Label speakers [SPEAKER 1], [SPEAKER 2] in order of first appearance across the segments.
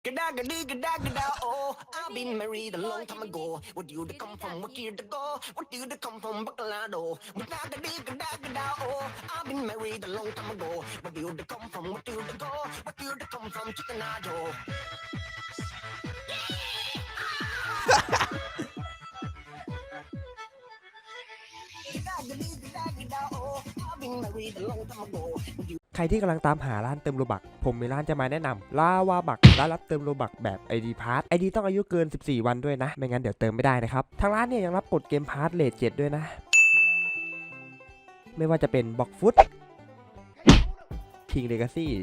[SPEAKER 1] Gada, oh, I've been married a long time ago. What do you come from? What year to go? What do you come from? Bacolado. Gada, oh, I've been married a long time ago. What do you come from? What do you go? What do you come from? Chickenado.
[SPEAKER 2] ใครที่กำลังตามหาร้านเติมโลบักผมมีร้านจะมาแนะนำลาวาบักร้านรับเติมโลบักแบบ ID พาร์ท ID ต้องอายุเกิน14วันด้วยนะไม่งั้นเดี๋ยวเติมไม่ได้นะครับทางร้านเนี่ยยังรับกดเกมพาร์ทเลท7ด้วยนะไม่ว่าจะเป็นบ็อกฟุตคิงเลกาซี่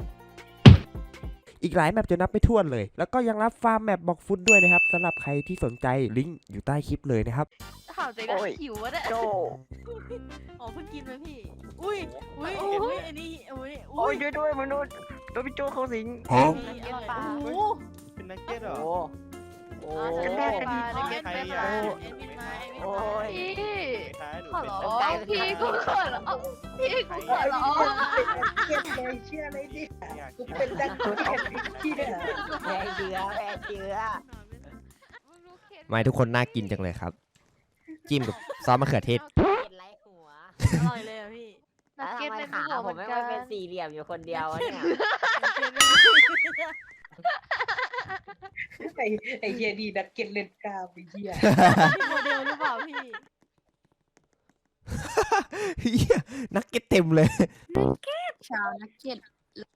[SPEAKER 2] อีกหลายแมปจะนับไม่ถ้วนเลยแล้วก็ยังรับฟาร์มแมปบ็อกฟุตด้วยนะครับสำหรับใครที่สนใจลิงก์อยู่ใต้คลิปเลยนะครับ
[SPEAKER 3] ข่าวใจก็หิววะเนี่ยอ๋อเพิ่งกินไหมพี่อุ้ยอันนี้อุ้ย
[SPEAKER 4] ด้วยมนุษย์โดนพี่โจเขาสิง
[SPEAKER 3] อร่อยปลาโอ้
[SPEAKER 5] เป็นนักเก็ตเหรอ
[SPEAKER 4] โอ้
[SPEAKER 3] นักเก็ตปลานักเก็ตปลาเอ็นมินมา
[SPEAKER 4] โอ้ย
[SPEAKER 3] พี่กูเขินเหรอพี่กูเขินเหรอ
[SPEAKER 4] เก็บเลยเชื่อเลยดิกูเป็นนักเก็ตที่เนี่ยแพ้เชื้อ
[SPEAKER 2] ไม่ทุกคนน่ากินจังเลยครับจิ้มกับซอสมะเขือเทศ
[SPEAKER 4] ไล่หัว
[SPEAKER 3] อร่อยเลยอ่ะพี่นักเก็ตเป็นหัว
[SPEAKER 4] ผมไม่เป็นสี่เหลี่ยมอยู่คนเดียวเนี่ยไอ้เฮียดีนักเก็ตเล่นกล้ามไอ้เฮีย
[SPEAKER 3] โมเดลหรือเปล่าพี่
[SPEAKER 2] เฮียนักเก็ตเต็มเลย
[SPEAKER 3] ชาวนักเก็ต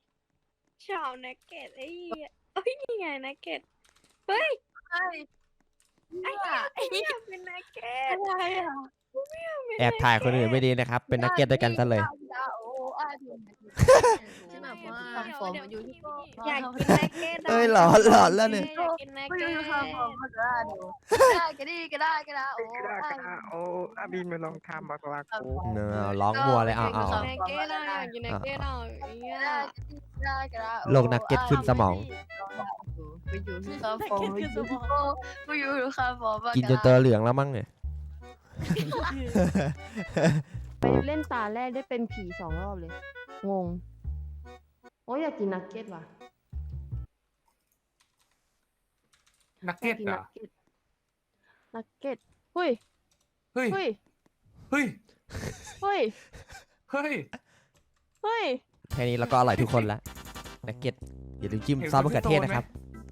[SPEAKER 3] ไอ้นี่ไงนักเก็ตเฮ้ยไอ้นี่เป็นนักเก็ตอะไรอ่ะ
[SPEAKER 2] แอบถ่ายคนอื่นไม่ดีนะครับเป็นนักเก็ตด้วยกันซะเลย
[SPEAKER 3] ที่แบบว่าฟอร์มอยู่ที่
[SPEAKER 4] อยากกินนักเก็ต
[SPEAKER 2] เอ้ยหลอนแล้วเนี่ย
[SPEAKER 3] กินนักเก็ตก็ได้
[SPEAKER 5] โอ้อาบินมาลองทำบักลากู
[SPEAKER 2] เนอร้องวัวเลยเอา
[SPEAKER 3] นักเก็ตอยากกินนักเก็ต
[SPEAKER 2] โลกนักเก็ตขึ้นสมอง
[SPEAKER 3] ไปอยู่ที่คาฟอร์ไปอยู่ที่คาฟอร์
[SPEAKER 2] กินจนตัวเหลืองแล้วมั้งเนี่ย
[SPEAKER 6] ไปเล่นตาแรกได้เป็นผี2 รอบเลยงงโอ้ยอยากกินนักเก็ตว่ะ
[SPEAKER 5] นักเก็ตเหรอ
[SPEAKER 6] นักเก็ตเฮ้ย
[SPEAKER 2] แค่นี้เราก็อร่อยทุกคนละนักเก็ตอย่าลืมจิ้มซอสมะเขือเทศนะครับ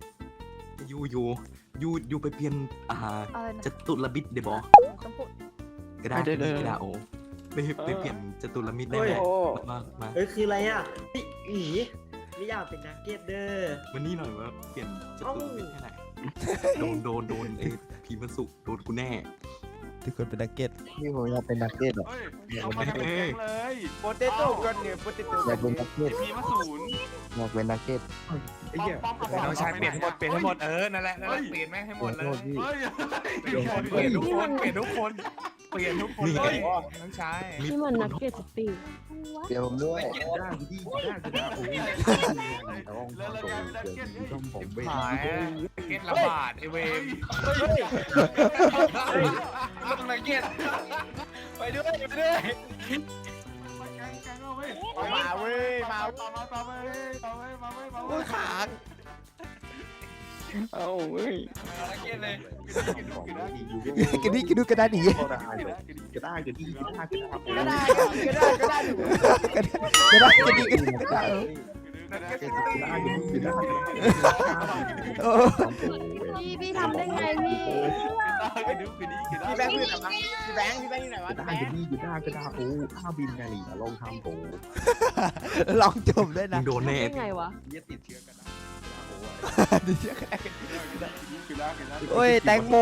[SPEAKER 7] ยูไปเปลี่ยนจตุรมิตรเดบก็ได้ก็ได้โอ้ไปเปลี่ยนจตุรมิตรได้ไหมมา
[SPEAKER 4] คืออะไรอ่ะอีไม่อยากเป็นนักเก็ตเด้อ
[SPEAKER 7] วันนี้หน่อยว่าเปลี่ยนจตุรมิตรให้หน่อยโดนไอ้พีมันสุโดนกูแน่
[SPEAKER 2] ทุกคนเป็นนักเก็ต
[SPEAKER 5] นี่ผมอยากเป็นนักเก็ตหรอ
[SPEAKER 7] เอามาเลย
[SPEAKER 5] โปเตโต้กันเนี่ยโปเตโต้อยากเป็นนักเก็ต
[SPEAKER 7] พีมาศูนย์
[SPEAKER 5] อยากเป็นนักเก็ต
[SPEAKER 7] ไอ้เหี้ยน้องชายเปลี่ยนให้หมดนั่นแหละเปลี่ยนแม่งให้หมดเลยเปลี่ยนทุกคนเลยน้องชาย
[SPEAKER 6] นี่มันนักเก็ตสปีด
[SPEAKER 5] เดี๋ยวผมด้วย
[SPEAKER 7] ได้โอ้ย
[SPEAKER 5] ต้องผมไป
[SPEAKER 7] หายเก็ตระบาดไอเวมลงนักเก็ตไปด้วย
[SPEAKER 5] มาเว้ย
[SPEAKER 7] โอ้ยขา
[SPEAKER 5] เอาเว้ย
[SPEAKER 7] นักเก็ตเลย
[SPEAKER 2] กระดาหนี
[SPEAKER 5] กระด้าง
[SPEAKER 6] พี่ทำได้ไงพี่
[SPEAKER 5] แบงค์อยู่ไหนวะ
[SPEAKER 7] กระด้างโอ้ข้าบินไงลองทำโอ้
[SPEAKER 2] ลองจมด้วยนะ
[SPEAKER 7] โดนแน่
[SPEAKER 6] ไงวะ
[SPEAKER 7] ติดเชื้อกระด้าง
[SPEAKER 2] โอ้ยแตงโม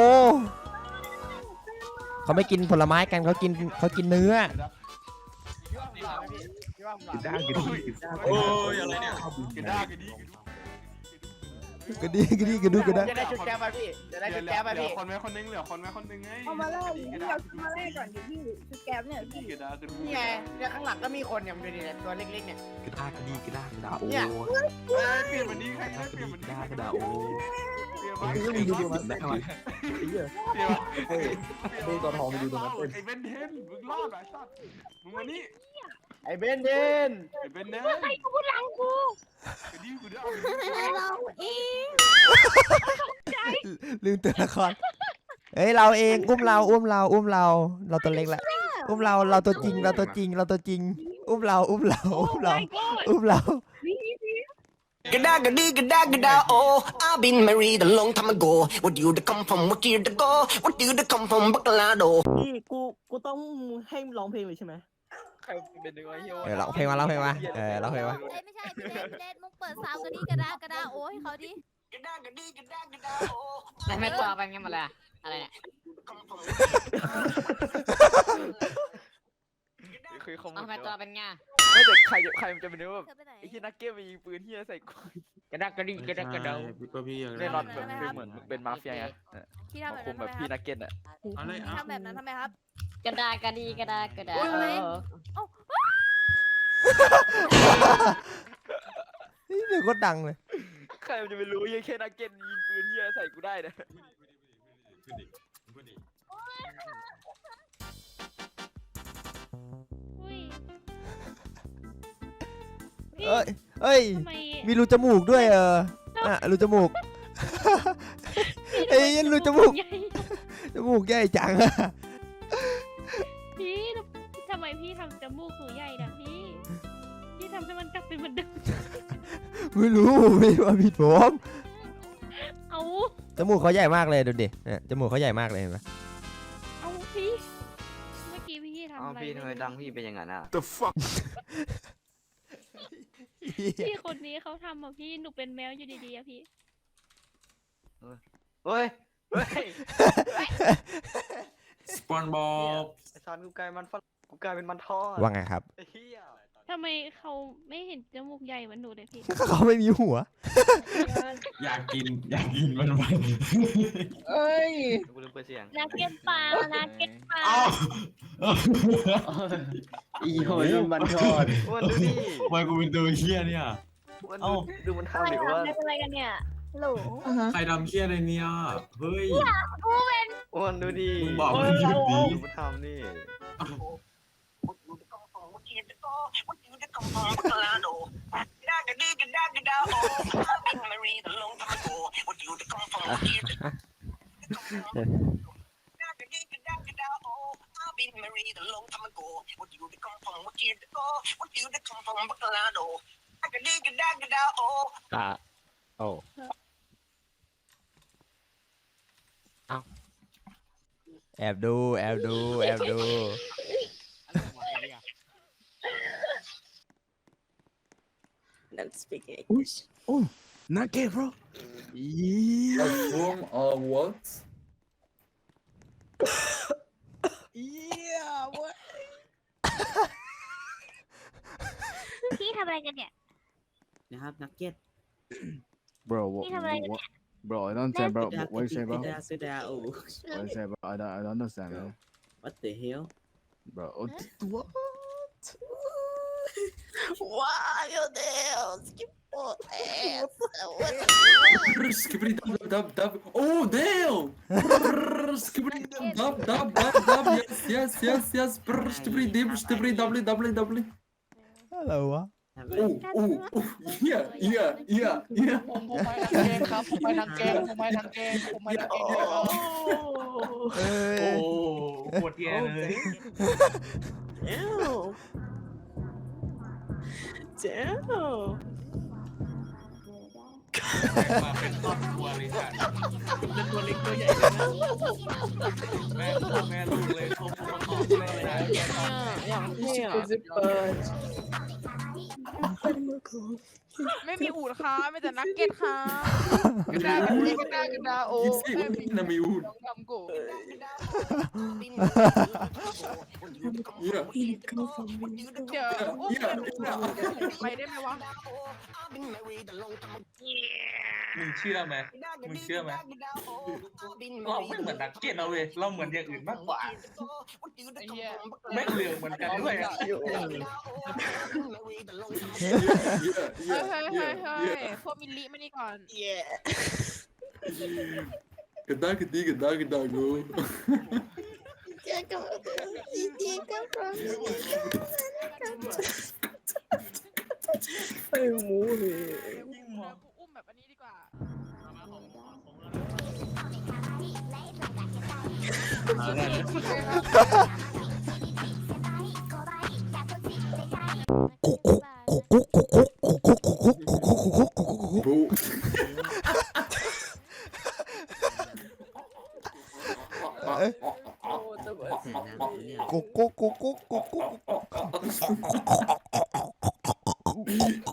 [SPEAKER 2] เขาไม่กินผลไม้กันเขากินเนื้อ
[SPEAKER 7] โอ้ยอะไรเนี่ยกระด้าง
[SPEAKER 2] กระดูกระด้าง
[SPEAKER 4] จะได้ชุดแก้วไปพี่
[SPEAKER 7] คนไหมคนนึงเหลือคนไหมคนนึงไง
[SPEAKER 3] เอามาแรกก่อนดิพี่ชุดแก้วเนี่ยพี่
[SPEAKER 4] นี่ไงเนี่ยข้างหลังก็มีคนเนี่ยมันดูดิตัวเล็กๆเนี่ย
[SPEAKER 7] กระด้างโอ้เปลี่ยนวันนี้ใครเปลี่ยนวันนี้กระด้างโอ้
[SPEAKER 5] ดูมันได้ไหมตัวทองดูตรงนั้น
[SPEAKER 7] ไอ้เบนเทนมึงรอดไอ้สัตว์มึงมานี่
[SPEAKER 5] ไอ้เบนเบน
[SPEAKER 3] ใครกูหลังกู
[SPEAKER 8] เราเอง
[SPEAKER 2] ลืมตัวละครเฮ้ยเราเองอุ้มเราเราตัวเล็กแหละอุ้มเราตัวจริงเราตัวจริงอุ้มเรา
[SPEAKER 3] โอ้ my god
[SPEAKER 2] อุ้มเรา
[SPEAKER 1] Gada, oh, I've been married a long time ago. Where do you come from? What year to go? What do you come from? Bacolado.
[SPEAKER 4] นี่กูต้องให้ร้องเพลงเลยใช่ไหม
[SPEAKER 5] ใครเป็นดึงไอ้เหี้ย
[SPEAKER 2] ร้องเพลงมาร้องเพลงมาร้องเพลงมา
[SPEAKER 8] ไม่ใช่พี่เล่นมึงเปิดซาวกันดีกระดาโอ้ให้เขาดิ
[SPEAKER 1] Gada, oh,
[SPEAKER 9] ไม่ตัวเป็นไงหมดเลยอะไรเนี่ย
[SPEAKER 5] คือขโมย
[SPEAKER 9] ทำไมตัวเป็นไง
[SPEAKER 5] ไม่แต่ใครมันจะเป็นแบบ
[SPEAKER 8] เธอไปไหน
[SPEAKER 5] ไอ้ที่นักเก็ตมีปืนที่ใส่กู
[SPEAKER 7] กระดักกระดิ่งกระดักกระเดา
[SPEAKER 5] แน่นอนแบบคือเหมือนเป็นมาเฟียไง
[SPEAKER 8] ที่
[SPEAKER 5] มา
[SPEAKER 8] ทำแบบ
[SPEAKER 5] คุ
[SPEAKER 8] นั้
[SPEAKER 5] ม
[SPEAKER 8] น
[SPEAKER 5] แบบพี่นักเก็ตอ่ะ
[SPEAKER 8] ทำแบบนั้นทำไมครับ
[SPEAKER 9] กระดากระดีกระดากระดา
[SPEAKER 2] นี่เดี๋ยวก็ดังเลย
[SPEAKER 5] ใครมันจะไปรู้ยังแค่นักเก็ตยิงปืนที่ใส่กูได้นะ
[SPEAKER 2] เอ้ย
[SPEAKER 3] ทำไม
[SPEAKER 2] มีรูจมูกด้วยรูจมูกเอ้ยรูจมูก
[SPEAKER 3] ใหญ่
[SPEAKER 2] จมูกใหญ่จังอะ
[SPEAKER 3] พี่ทำไมพี่ทำจมูกหนูใหญ่นะพี่ทำให้มันกลับเป็นเหมือนเดิม
[SPEAKER 2] ไม่รู้ไม่ว่าผิดผม
[SPEAKER 3] เอา
[SPEAKER 2] จมูกเขาใหญ่มากเลยดูดิเนี่ยจมูกเขาใหญ่มากเลยเห็นไหม
[SPEAKER 3] เอาพี่เมื่อกี้พี่ทำอะไร
[SPEAKER 10] พี่ทำไมดังพี่เป็นอย่างนั้นอ่ะ
[SPEAKER 3] พี่คนนี้เขาทำอ่ะพี่หนูเป็นแมวอยู่ดีๆอะพี่
[SPEAKER 10] เฮ้ย เฮ้ย
[SPEAKER 7] สปอนบอล
[SPEAKER 10] ไอ้ซอนกูกลายเป็นมันทอด
[SPEAKER 2] ว่าไงครับ
[SPEAKER 10] ไอ้เหี้ย
[SPEAKER 3] ทำไมเขาไม่เห็นจมูกใหญ่เหมือนหนูเลยพี่
[SPEAKER 2] เขาไม่มีหัว
[SPEAKER 7] อยากกินมันไป
[SPEAKER 4] เอ้ย
[SPEAKER 10] กูลืมเปิดเสียง
[SPEAKER 3] นักเก็ตปลานักเก็ตปลา
[SPEAKER 10] อีโหยมันทอดอ้วนดูดิ
[SPEAKER 7] ทำไมกูเป็นตัวเฮี้ยเนี่ย
[SPEAKER 10] อ้วนดูมันทำดิว่า
[SPEAKER 3] ไม่เป็นไรกันเนี่ยหลู
[SPEAKER 7] ใครทำเฮี้ยอะไรเนี่ยเฮ้ย
[SPEAKER 10] อ้วนดูดิ
[SPEAKER 7] มึงบอกมันหยุดดิ
[SPEAKER 10] ดูมันทำนี่
[SPEAKER 1] What do you come from? Bacolado. Gada, oh, I've been married a long time ago. What do you come from? What year to go? Gada, oh, I've been married a long time ago. What do you come from? What year to go? What do you come from? Bacolado. Gada, oh.
[SPEAKER 2] โอ้แอบดู
[SPEAKER 4] Let's speak English
[SPEAKER 7] not gay bro
[SPEAKER 5] A form of what?
[SPEAKER 4] Yeah what
[SPEAKER 3] พี่ทำอะไรกันเนี่ย
[SPEAKER 4] นะครับนักเก็ต
[SPEAKER 11] Bro,
[SPEAKER 3] พี่ทำอะไรกันเนี่ย
[SPEAKER 11] bro, I don't understand, bro. What you say, bro?
[SPEAKER 4] สุดาโอ้
[SPEAKER 11] What you say, bro? I don't understand, bro.
[SPEAKER 4] What the hell
[SPEAKER 11] Bro, what?
[SPEAKER 8] Wow your nails skip for ass
[SPEAKER 5] Skibidi dub dub. Oh damn! Skibidi dub dub dub dub. Yes. Skibidi w.
[SPEAKER 2] อะไรวะ
[SPEAKER 5] Oh. Yeah.
[SPEAKER 7] ผมไปทางเกมครับผมไปทางเกม
[SPEAKER 2] เอ้ย
[SPEAKER 7] โอ้ปวดแย่เลย
[SPEAKER 4] เจ้า
[SPEAKER 7] มาเป็นครอบครัวเลยค่ะเป็นตัวเล็กตัวใหญ่เลยนะแม่ลูกเลยเขาประกอบเลยนะแกตอน
[SPEAKER 4] อย่างที่เปิด
[SPEAKER 9] ไม่มีอูดค่ะไม่แต่นักเก็ตค่ะ
[SPEAKER 7] กระดาโอ้
[SPEAKER 5] Na miúdo.
[SPEAKER 9] ทำกู
[SPEAKER 5] Yeah.
[SPEAKER 9] เดี๋ยวไปได้ไหมวะ
[SPEAKER 7] มึงเชื่อไหมเราไม่เหมือนนักเก็ตเราเว้ยเราเหมือนอย่างอื่นมากกว่าไม่เหลืองเหมือนกันด้วย
[SPEAKER 9] เฮ้ยพวกมิลลิมานี่ก่อน
[SPEAKER 5] Ganda go.
[SPEAKER 4] ไอ้หมูเลย
[SPEAKER 9] กูอุ้มแบบอันนี้ดีกว่า
[SPEAKER 2] กุ๊กกุ๊กกุ๊กกุ๊กกุ๊กกุ๊ก